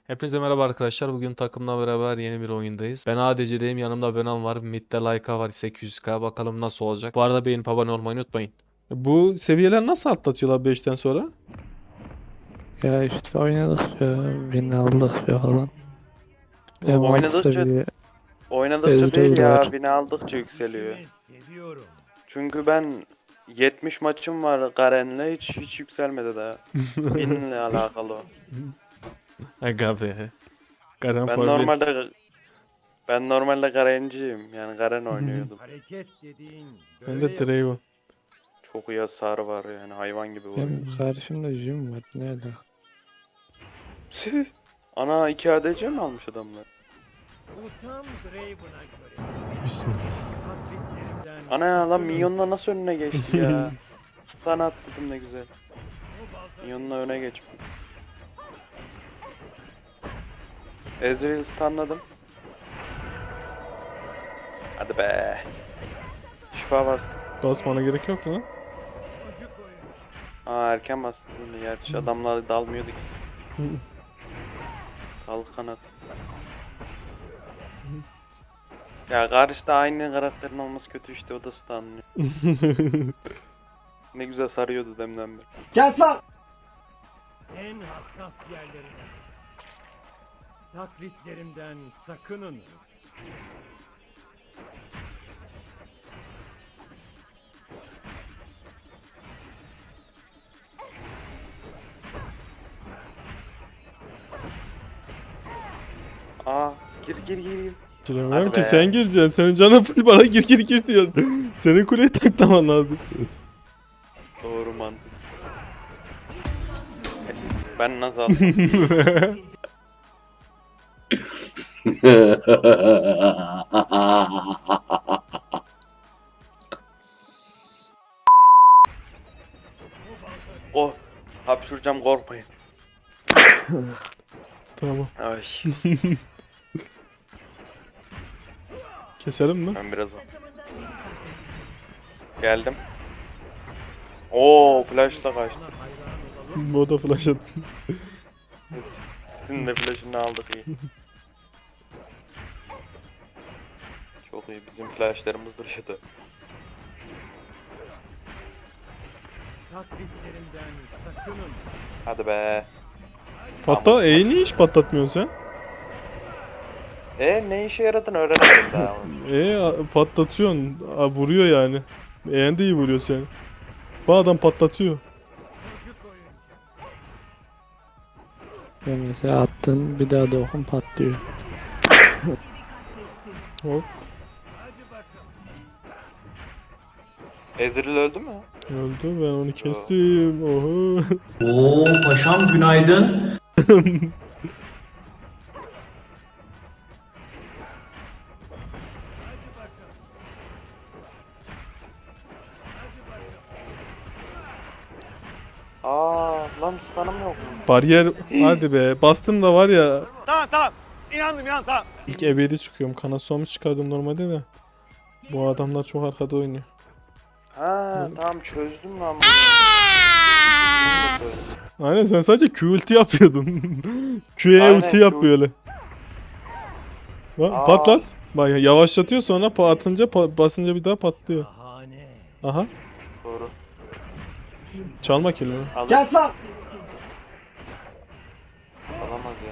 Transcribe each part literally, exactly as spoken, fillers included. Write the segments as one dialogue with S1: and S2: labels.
S1: Hepinize merhaba arkadaşlar. Bugün takımla beraber yeni bir oyundayız. Ben A D C'deyim. Yanımda Venom var. Mid'de Layka var. sekiz yüz K. Bakalım nasıl olacak. Bu arada beğenip abone olmayı unutmayın. Bu seviyeler nasıl atlatıyorlar beşten sonra?
S2: Ya işte oynadıkça, win aldıkça falan. Hem alt
S3: Oynadıkça
S2: seviye
S3: oynadıkça
S2: Ezreal
S3: değil
S2: da
S3: ya,
S2: var.
S3: bini aldıkça yükseliyor. Çünkü ben yetmiş maçım var Garen'le, hiç hiç yükselmedi daha. Binle alakalı o.
S1: Aga be. Garen
S3: Ben
S1: for win.
S3: normalde ben normalde Garen'ciyim. Yani Garen oynuyordum.
S1: Ben de Draven.
S3: Çok iyi hasar var yani, hayvan gibi vuruyor.
S2: Hem karşımda Jim var. Ne alaka?
S3: Ana iki A D C mi almış adamlar?
S1: Bismillah.
S3: Ana ya lan, minyonla nasıl önüne geçti ya? Stun attım ne güzel. Minyonla öne geçmiş. Ezreal stunladım. Hadi be. Şifa bastım.
S1: Basmana gerek yok lan.
S3: Aa, erken bastım. Gerçi adamlar dalmıyordu ki. Kal kanat. Ya karşıda aynı karakterin olması kötü işte, o da stunlıyor. Ne güzel sarıyordu demden beri.
S4: Kes lan!
S5: En hassas yerlerine. Taklitlerimden sakının.
S3: Aa, gir gir gir gir.
S1: Giremiyorum
S3: Hadi
S1: ki
S3: be.
S1: sen gireceksin. Senin canın full, bana gir gir gir diyor. Senin kuleyi taklaman lazım.
S3: Doğru mantık. Ben nasıl aldım? Oh, hapşuracağım, korkmayın.
S1: Tamam.
S3: Ay,
S1: Keselim mi?
S3: ben biraz geldim. Oo, flashla kaçtı.
S1: Moda flash at.
S3: Sizin de flash'ını aldık, iyi. Çok iyi, bizim flashlarımız dışıdı.
S5: Taklitlerimden sakının.
S3: Hadi be.
S1: Patla, E'yi niye hiç patlatmıyorsun sen?
S3: E ne işe yaradığını öğrenemedim daha.
S1: E a- patlatıyorsun. A, vuruyor yani. E'en de iyi vuruyor seni. Bu adam patlatıyor.
S2: Ya mesela attın bir daha dokun patlıyor.
S1: Hop.
S3: Ezreal öldü mü?
S1: Öldü, ben onu kestim. Oho.
S4: Oo paşam günaydın.
S3: Aa lan, stun'ım yok.
S1: Bariyer, hadi be. Bastım da var ya.
S5: Tamam tamam. İnandım ya, tamam.
S1: İlk ebedi çıkıyorum. Kana suamış çıkardım normalde de. Bu adamlar çok arkada oynuyor.
S3: Ha tamam, çözdüm lan bunu.
S1: Aynen, sen sadece Q ulti yapıyordun. Q'ye
S3: Aynen,
S1: ulti
S3: Q-
S1: yap böyle. Bak,
S3: Aa.
S1: patlat. Bak, yavaşlatıyor, sonra pa- atınca pa- basınca bir daha patlıyor.
S5: Bahane.
S1: Aha.
S3: Doğru.
S1: Çalma kelime.
S3: Alır.
S4: Kes lan!
S3: Alamaz ya.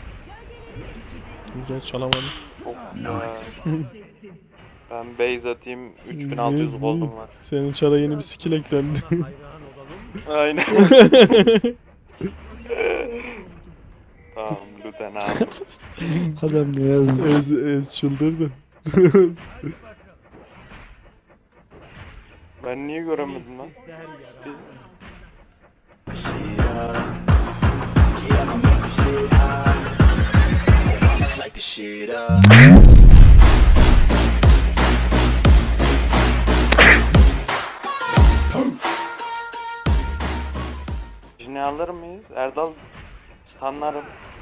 S1: Güzel, çalamadım.
S3: Çok ya. Ben base atayım, üç bin altı yüz gold'um var.
S1: Senin çara yeni bir skill eklendi.
S5: Hayran olalım.
S3: Aynen. Tamam, lütfen abi.
S2: Adam ne yazmış?
S1: ez, ez çıldırdı.
S3: Ben niye göremedim lan?
S5: Der yara.
S3: Yine alır mıyız? Erdal stunlarım.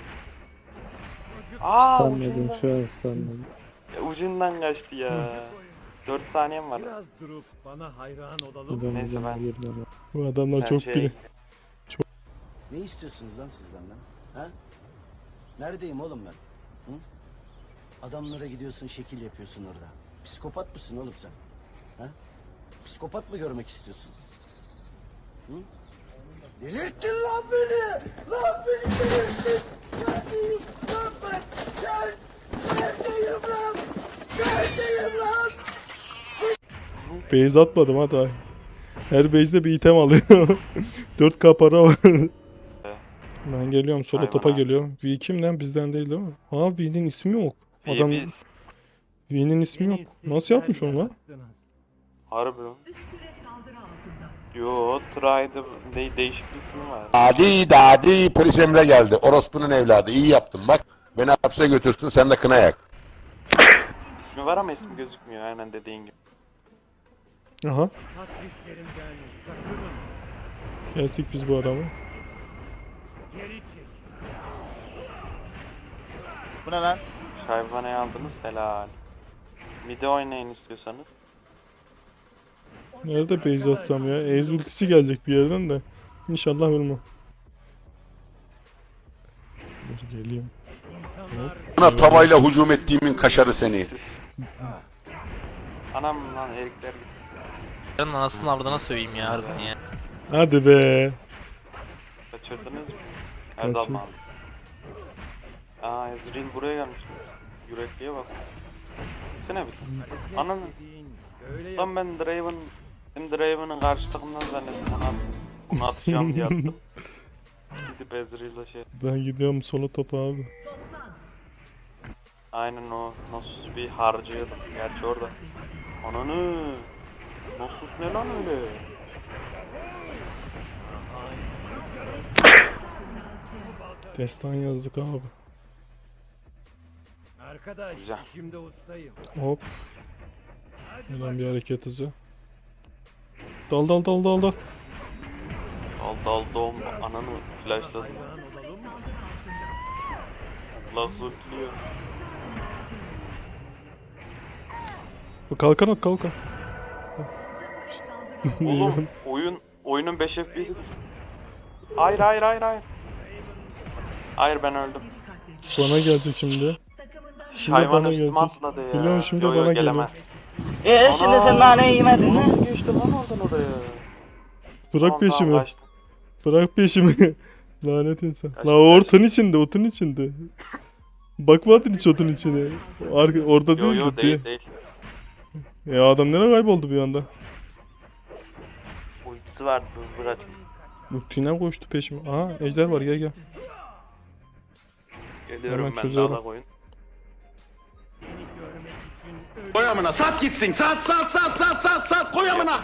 S3: Aa,
S2: Stanladım
S3: ucundan,
S2: şu an stanladım.
S3: ucundan kaçtı ya. dört saniyem var.
S5: Biraz durup bana hayran olalım.
S2: Ben
S3: Neyse,
S2: buradan
S3: ben-
S2: girmem.
S1: Bu adamlar
S3: Ben
S1: çok
S3: şey-
S1: bili.
S4: Ne istiyorsunuz lan siz benden? Ha?
S6: Neredeyim oğlum ben? Hı? Adamlara gidiyorsun, şekil yapıyorsun orada. Psikopat mısın oğlum sen? Ha? Psikopat mı görmek istiyorsun? Hı? Delirttin lan beni! Lan beni delirttin! Neredeyim lan ben? Gel! Neredeyim lan? Neredeyim lan?
S1: Base atmadım hadi. Her base'de bir item alıyor. dört K para var. Ben geliyorum solo
S3: Hayvan
S1: topa
S3: ha.
S1: geliyorum. V kim lan bizden değil değil mi? Ha V'nin ismi yok. Adam
S3: Bir-
S1: V'nin ismi yok. Nasıl yapmış onu lan?
S3: Harbi lan. Yo, Tri'de de değişik bir ismi var.
S7: Adi dadi polis Emre geldi. Orospu'nun evladı. İyi yaptın bak. Beni hapse götürsün sen de kına yak.
S3: İsmi var ama ismi gözükmüyor aynen dediğin gibi.
S1: Aha.
S5: Taktiklerimden sakının.
S1: Kestik biz bu adamı.
S5: Geri çek.
S8: Bu ne lan?
S3: Şayvanayı aldınız helal. Mide oynayın istiyorsanız.
S1: Nerede base atsam ya? Ez ultisi gelecek bir yerden de. İnşallah ölmem. Dur geliyorum.
S5: İnsanlar
S7: Buna tavayla hücum ettiğimin kaşarı seni.
S3: Anam lan erikler
S9: Ben anasını avradına söyleyeyim ya harbiden ya.
S1: Hadi be.
S3: kaçırdınız mı?
S1: Kaçın.
S3: Erdal mı aldı? Aa Ezreal buraya gelmiş. Yürekliye bak. Sene bir. Ananı.
S5: dediğin böyle yap.
S3: Lan ben Draven, benim Draven'ın karşı takımdan zannettim. Ana bunu atacağım diye attım. Gidip Ezreal'la şey.
S1: Ben gidiyorum solo topa abi.
S3: Aynen o Nasus bir harcıyordum. Gerçi orada. Ananı. Nasus ne lan öyle?
S1: Destan yazdık abi.
S5: Arkadaş
S3: Güzel.
S5: işimde ustayım.
S1: Hop. Hemen bir hareket hızı. Dal dal dal dal dal.
S3: Al dal dom ananı flashladım.
S5: Hayran olalım.
S3: Allah zultluyor.
S1: Bu kalkan at kalkan.
S3: Oğlum oyun oyunun beş F P S'i. Hayır hayır hayır hayır. Hayır ben öldüm.
S1: Bana gelecek şimdi. Şimdi
S3: Hayvan
S1: bana
S3: üstüme
S1: gelecek.
S3: atladı ya.
S1: Biliyorum şimdi
S3: Yo, yo,
S1: bana
S3: gelemez.
S1: geliyor.
S8: Eee şimdi sen nane yemedin mi?
S3: Nasıl geçti lan oradan oraya?
S1: Bırak
S3: Tamam,
S1: peşimi.
S3: tamam, kaçtım.
S1: Bırak peşimi. Lanet insan.
S3: Kaçtım,
S1: La o
S3: kaçtım.
S1: otun içinde, otun içinde. Bakmadın hiç otun içine. Arka, orada
S3: Yo
S1: değildi
S3: yo
S1: diye.
S3: değil değil.
S1: Ya adam nereye kayboldu bir anda?
S3: Ultisi vardı hızlı kaç.
S1: Ultine koştu peşime. Aha ejder var gel gel.
S3: Geliyorum
S1: Hemen
S3: ben
S1: çözerim.
S3: dağla koyun.
S5: Seni görmek için öyle
S7: Koy amına sat gitsin sat sat sat sat sat sat koy amına.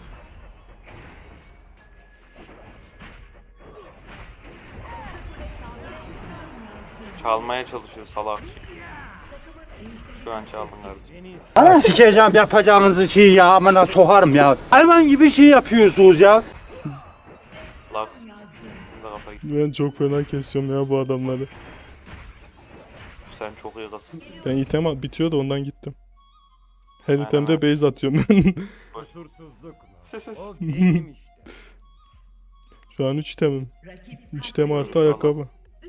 S3: Çalmaya çalışıyor salak. Şu an çaldın kardeşim.
S8: Sikeceğim yapacağınızı şey ya amına sokarım ya. Hayvan gibi şey yapıyorsunuz ya.
S3: Lak. Şimdi kafa gitti.
S1: Ben çok fena kesiyorum ya bu adamları.
S3: Sen çok iyi kasın.
S1: Ben item at- bitiyor da ondan gittim. Her
S3: Aynen,
S1: itemde
S3: aynen.
S1: base atıyorum ben.
S5: kusursuzluk mu? O benim işte.
S1: Şu an üç itemim. üç item artı ayakkabı.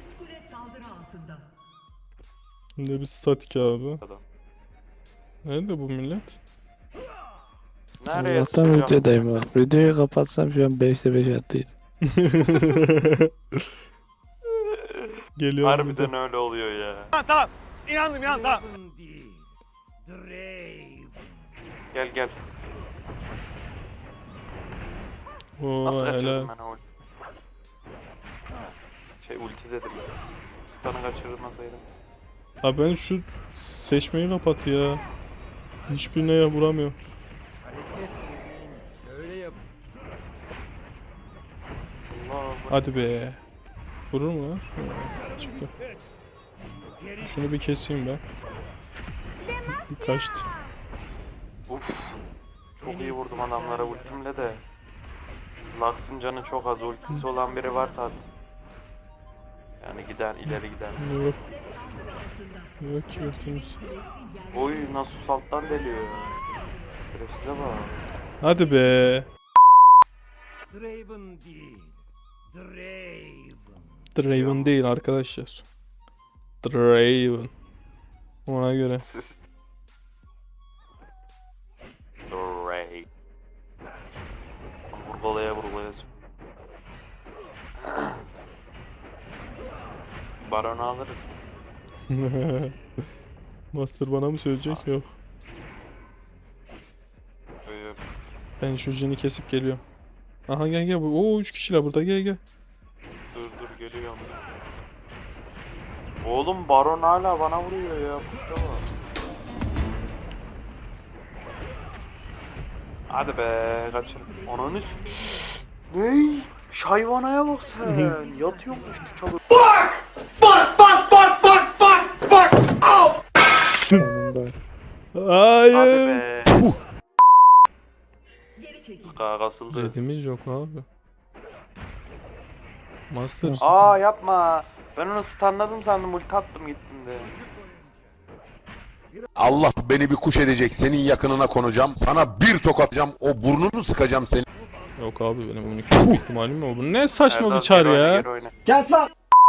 S1: Şimdi bir statik abi.
S3: Adam.
S1: Nerede bu millet?
S3: Nereye
S2: Allah'tan
S3: sıkacağım?
S2: videodayım bak. Videoyu kapatsam şu an beşte beş attıydım.
S1: Geliyorum.
S3: Harbiden öyle oluyor ya.
S5: Tamam tamam. İnandım inandım tamam. Değil. Drave.
S3: Gel gel.
S1: Oo
S3: Nasıl kaçırdım
S1: helal.
S3: ben o ulti? Şey ulti dedim. Stun'ı kaçırmasaydım.
S1: Abi ben şu seçmeyi kapat ya. Hiçbirine ya vuramıyorum.
S5: Hareket dediğin öyle yap.
S3: Allah
S1: Hadi be. Vurur mu lan? Ha, çıktı. Şunu bir keseyim ben. Bir kaçtı.
S3: Uf. Çok iyi vurdum adamlara ultimle de. Lux'ın canı çok az. Ultisi olan biri varsa at. Yani giden ileri giden.
S1: Yok. Yok ki ultimiz.
S3: Oy nasıl alttan deliyor. Şerefsize bak.
S1: Hadi be.
S5: Draven değil. Draven.
S1: Draven değil arkadaşlar. Draven. Ona göre.
S3: Ray. Vurgulaya vurgulaya. Baron alırız.
S1: Master bana mı söyleyecek? Yok.
S3: Ee,
S1: Ben şu jini kesip geliyorum. Aha gel gel. Oo üç kişiler burada, gel gel.
S3: Dur dur geliyorum. Oğlum Baron hala bana vuruyor ya. Kuşa bak. Hadi be kaçır. Ananı s- Ney? Şayvanaya bak sen. Yatıyormuş çalı.
S2: Sonunda.
S3: Hadi
S1: Hayır.
S3: be. Ska kasıldı.
S1: Redimiz yok abi. Master.
S3: Aa yapma. Ben onu stunladım sandım, ulti attım gittim de.
S7: Allah beni bir kuş edecek. Senin yakınına konacağım. Sana bir tokatacağım. O burnunu sıkacağım senin.
S1: Yok abi, benim bunu kesme ihtimalim yok. Bu ne saçma
S3: Erdal,
S1: bir çar
S3: geri oyna,
S1: ya.
S3: geri oyna.
S6: Gel lan.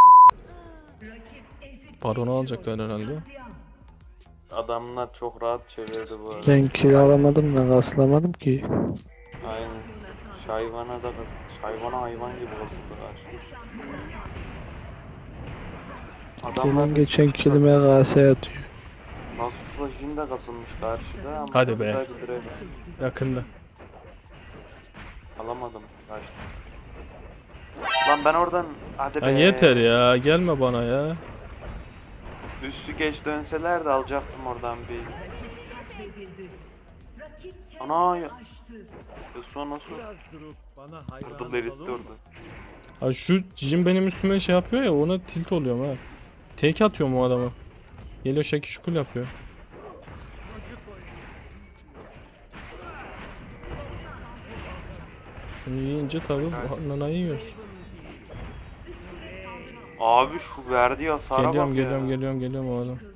S1: Baron'u alacaklar herhalde.
S3: Adamlar çok rahat çevirdi bu arada.
S2: Ben kill alamadım da kaslamadım ki.
S3: Aynen. Şayvana da Şayvana hayvan gibi basıldı karşı. Adamlar
S2: Benim geçen killime K S atıyor.
S3: Nasus'la Jin de kasılmış karşıda ama
S1: Hadi be.
S3: sadece Draven.
S1: Yakında.
S3: Alamadım karşı. Lan ben oradan hadi
S1: Ya
S3: be.
S1: yeter ya, gelme bana ya.
S3: Üstü geç dönseler de alacaktım oradan bir. Ana ya. Yasuo nasıl? Vurdu eritti orada.
S1: Ha şu Jin benim üstüme şey yapıyor ya, ona tilt oluyorum ha. Tek atıyorum o adamı. Geliyor şekil şukul yapıyor. Şunu yiyince tabi nanayı yiyoruz.
S3: Abi şu verdiği hasara
S1: Geliyorum
S3: bak
S1: geliyorum
S3: ya.
S1: geliyorum geliyorum o adam.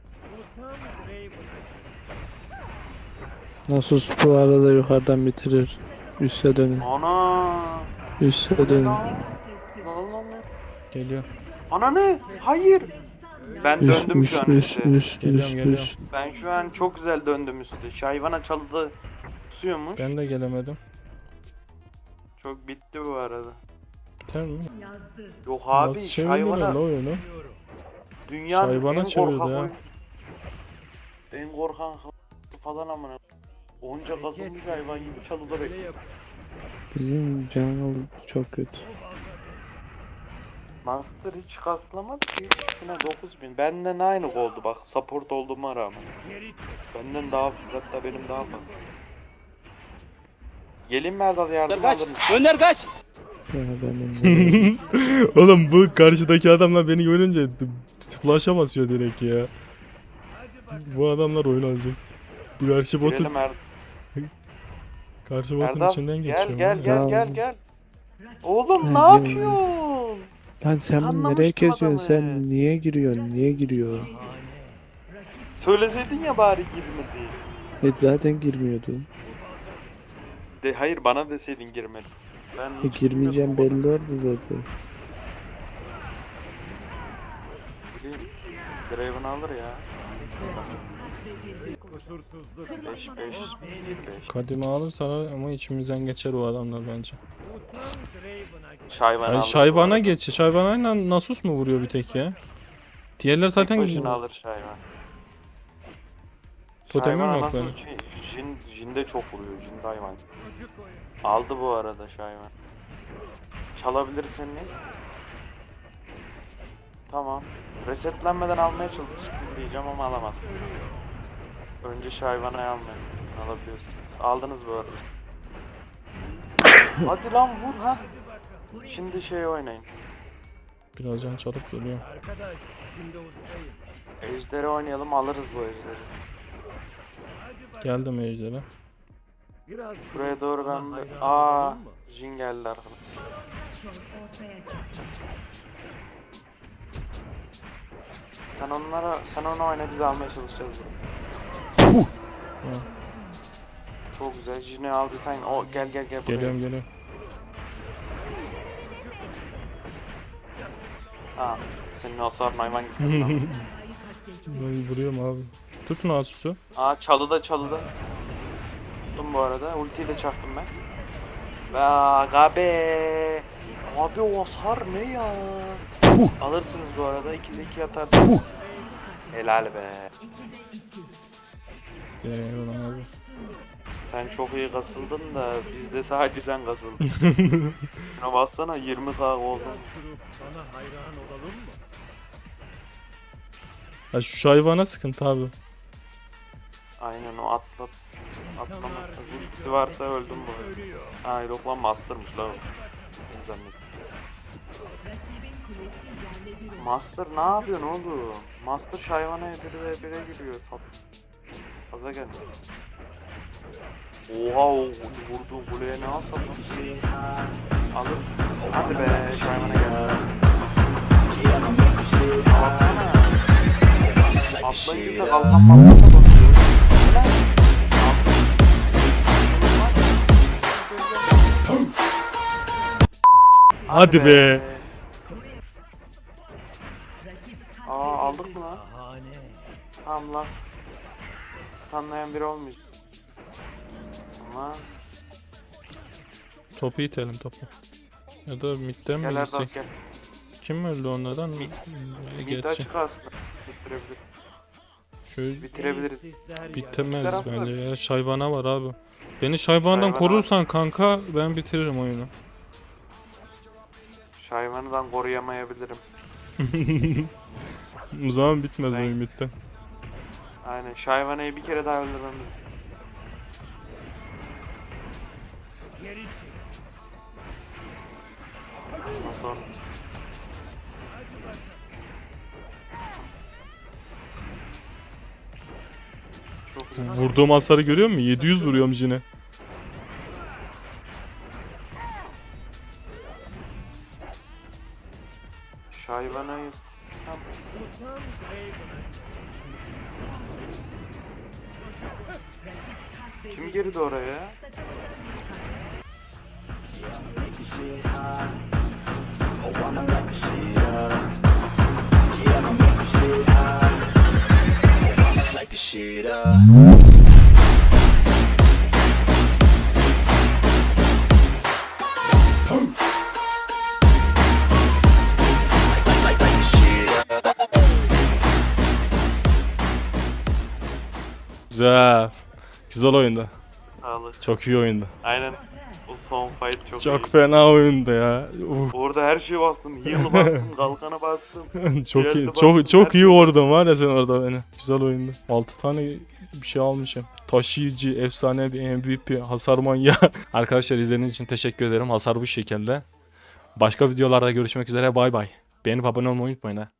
S2: Nasıl bu arada yukarıdan bitirir. Üste dönün.
S3: Ana.
S2: Üste dönün.
S3: Lan lan lan.
S1: Geliyor.
S3: Ana ne? Hayır. Ben
S2: Üst
S3: döndüm
S2: üst
S3: şu an
S2: üst
S3: üstte.
S2: üst
S1: Geliyorum,
S2: üst
S1: geliyorum.
S2: üst.
S3: Ben şu an çok güzel döndüm üstte. Şayvana çalıda tutuyormuş.
S1: Ben de gelemedim.
S3: Çok bitti bu arada.
S1: Biter mi?
S3: Yok abi
S1: Nasıl çevirdiler la
S3: Şayvana
S1: oyunu?
S3: dünyanın
S1: Şayvana
S3: en
S1: çevirdi
S3: korkak
S1: ha.
S3: oyun- En korkan falan amına. Onca kasılmış hayvan gibi çalıda bekliyor.
S2: Bizim jungle çok kötü.
S3: Master hiç kaslamadı ki. Yine dokuz bin. Benden aynı oldu bak. Support olduğuma rağmen. Benden daha hatta benim daha fazla. Gelin mi Erdal yardım alır mısın?
S8: Gönder kaç.
S2: Ya benim
S1: Oğlum bu karşıdaki adamlar beni görünce flash'a basıyor direkt ya. Bu adamlar oyun alacak. Bu karşı botu,
S3: Girelim Er-
S1: karşı botun
S3: Erdal.
S1: içinden
S3: Gel
S1: geçiyor.
S3: gel
S1: ya.
S3: gel
S2: Ya.
S3: gel gel. Oğlum
S2: Ben
S3: ne
S2: girmedim.
S3: yapıyorsun?
S2: Lan sen
S3: Anlamıştım
S2: nereye kesiyorsun?
S3: adamı.
S2: Sen niye giriyorsun? Niye giriyor?
S3: Söyleseydin ya bari girmedi.
S2: Hiç zaten girmiyordun.
S3: De hayır bana deseydin girmedi. Ben
S2: E,
S3: hiç
S2: girmeyeceğim
S3: bilmiyordum.
S2: belli oldu zaten.
S3: Bileyim. Draven alır ya. beş beş beş.
S1: Kadime alırsa ama içimizden geçer o adamlar bence.
S3: Şayvan
S1: Yani
S3: alır.
S1: Şayvan'a geç. Şayvan'a Nasus mu vuruyor bir tek ya? Diğerler
S3: Zaten
S1: zaten
S3: başına alır Şayvan.
S1: Totemim
S3: Şayvan
S1: yok
S3: anasını
S1: benim.
S3: çi- Jin, Jin de çok vuruyor. Jin de hayvan. Aldı bu arada Şayvan. Çalabilirsin mi? Tamam. Resetlenmeden almaya çalıştım diyeceğim ama alamazsın. Önce Şayvan'ı almayın. Alabiliyorsunuz. Aldınız bu arada. Hadi lan vur ha. Şimdi şey oynayın.
S1: Biraz can çalıp geliyor.
S3: Ejderi oynayalım, alırız bu ejderi.
S1: Geldim ejderha.
S3: Buraya doğru ben de... Aa, Jin geldi arkadan. Sen onlara, sen onu oyna, biz almaya çalışacağız bunu. Çok güzel, Jin'i aldı sen. O gel gel gel buraya.
S1: Geliyorum geliyorum.
S3: Ha, senin hasarın hayvan gibi. lan.
S1: Ben vuruyorum abi. Tutun Asus'u.
S3: Aa çalıda çalıda. Tuttum bu arada. Ultiyi de çaktım ben. Ve aga be. Abi o hasar ne ya? Alırsınız bu arada. ikide iki atarsınız. Helal be.
S1: Eyvallah abi.
S3: Sen çok iyi kasıldın da bizde sadece sen kasıldın. Şuna baksana yirmi K oldun.
S1: Ya şu hayvana sıkıntı abi.
S3: Aynen o atlat. Atlamazsa ultisi varsa öldüm bu arada. Aa yok lan master'mış lan o. Ne zannettim. Master ne yapıyorsun oğlum? Master hayvana biri ve bire giriyor. Sat. Fazla geldi. Oha o vurduğun kuleye ne alsam alır. Hadi be hayvana geldi. Baksana. Atlayınca da kalkan malkan da basıyor.
S1: Hadi be.
S3: Aa aldık mı lan? Tamam lan. Tanlayan biri olmuyor. Ama
S1: Topu itelim topu. Ya da midden mi
S3: gel Erdal
S1: gidecek?
S3: gel.
S1: Kim öldü onlardan?
S3: Mid.
S1: Ee,
S3: Mid
S1: Gerçi.
S3: açık aslında. Bitirebilir.
S1: Şöyle
S3: Bitirebiliriz.
S1: bitemez
S3: taraf
S1: bence ya. Şaybana var abi. Beni şaybandan
S3: Şaybana
S1: korursan kanka ben bitiririm oyunu.
S3: Şayvanıdan koruyamayabilirim.
S1: O zaman bitmez
S3: Ben-
S1: oyun bitti.
S3: Aynen Şayvana'yı bir kere daha öldürmemiz. Ondan sonra çok iyi.
S1: Vurduğum hasarı görüyor musun? yedi yüz vuruyorum yine.
S3: Şayvana'yı kim girdi oraya?
S1: Güzel. Güzel oyundu.
S3: Sağlık.
S1: Çok iyi oyundu.
S3: Aynen. O son fight çok,
S1: Çok
S3: iyi.
S1: fena oyundu ya. Uf.
S3: Orada her şeyi bastım. Heal'ı bastım, kalkanı bastım.
S1: Çok iyi.
S3: Diğerini
S1: Çok
S3: bastım,
S1: çok
S3: her
S1: iyi
S3: şey-
S1: vurdun var ya sen orada beni. Güzel oyundu. altı tane bir şey almışım. Taşıyıcı, efsane bir M V P, hasar manyağı. Arkadaşlar izlediğiniz için teşekkür ederim. Hasar bu şekilde. Başka videolarda görüşmek üzere. Bay bay. Beğenip abone olmayı unutmayın ha.